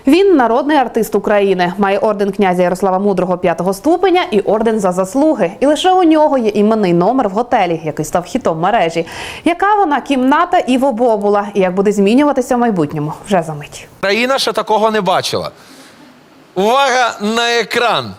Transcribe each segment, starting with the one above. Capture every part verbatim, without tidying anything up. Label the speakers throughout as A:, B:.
A: Він народний артист України, має орден князя Ярослава Мудрого п'ятого ступеня і орден за заслуги. І лише у нього є іменний номер в готелі, який став хітом мережі. Яка вона кімната Іво Бобула і як буде змінюватися в майбутньому? Вже за мить.
B: Країна ще такого не бачила. Увага на екран.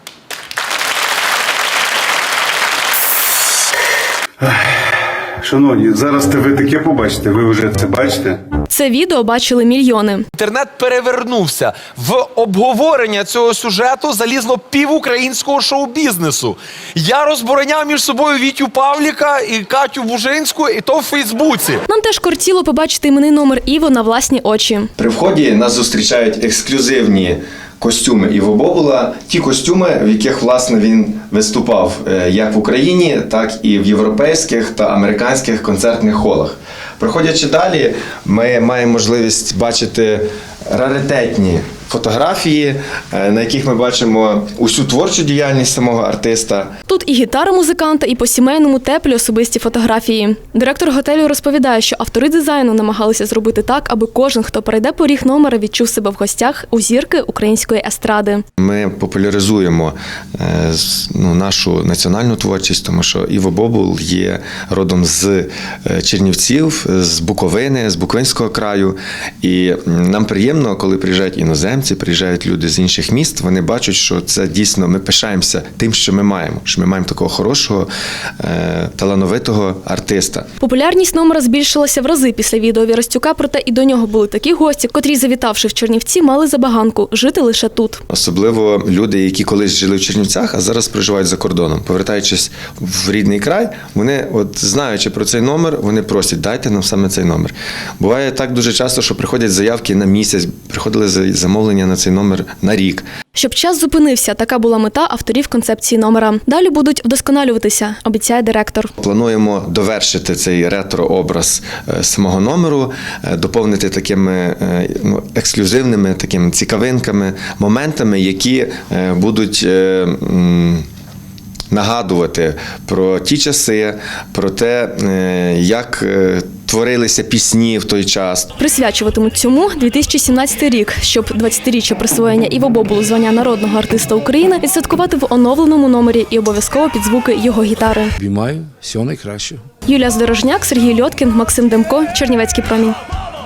C: Шановні, зараз ви таке побачите, ви вже це бачите.
D: Це відео бачили мільйони.
B: Інтернет перевернувся. В обговорення цього сюжету залізло пів українського шоу-бізнесу. Я розбороняв між собою Вітю Павліка і Катю Бужинську, і то в Фейсбуці.
D: Нам теж кортіло побачити іменний номер Іво на власні очі.
E: При вході нас зустрічають ексклюзивні костюми Іво Бобула, ті костюми, в яких, власне, він виступав як в Україні, так і в європейських та американських концертних холах. Проходячи далі, ми маємо можливість бачити раритетні фотографії, на яких ми бачимо усю творчу діяльність самого артиста.
D: Тут і гітара музиканта, і по-сімейному теплі особисті фотографії. Директор готелю розповідає, що автори дизайну намагалися зробити так, аби кожен, хто перейде поріг номера, відчув себе в гостях у зірки української естради.
E: Ми популяризуємо ну, нашу національну творчість, тому що Іво Бобул є родом з Чернівців, з Буковини, з Буковинського краю. І нам приємно, коли приїжджають іноземці, приїжджають люди з інших міст, вони бачать, що це дійсно, ми пишаємося тим, що ми маємо, що ми маємо такого хорошого, е, талановитого артиста.
D: Популярність номера збільшилася в рази після відео Вірастюка, проте і до нього були такі гості, котрі, завітавши в Чернівці, мали забаганку жити лише тут.
E: Особливо люди, які колись жили в Чернівцях, а зараз проживають за кордоном. Повертаючись в рідний край, вони, от знаючи про цей номер, вони просять, дайте нам саме цей номер. Буває так дуже часто, що приходять заявки на місяць, приходили замовлення на цей номер на рік.
D: Щоб час зупинився, така була мета авторів концепції номера. Далі будуть вдосконалюватися, обіцяє директор.
E: Плануємо довершити цей ретро-образ самого номеру, доповнити такими ну, ексклюзивними, такими цікавинками, моментами, які будуть нагадувати про ті часи, про те, як творилися пісні в той час.
D: Присвячуватимуть цьому дві тисячі сімнадцятий рік, щоб двадцятиріччя присвоєння Іво Бобулу звання народного артиста України відсвяткувати в оновленому номері і обов'язково під звуки його гітари.
F: Обіймаю, всього найкращого.
D: Юлія Здорожняк, Сергій Льоткін, Максим Демко, Чернівецький промінь.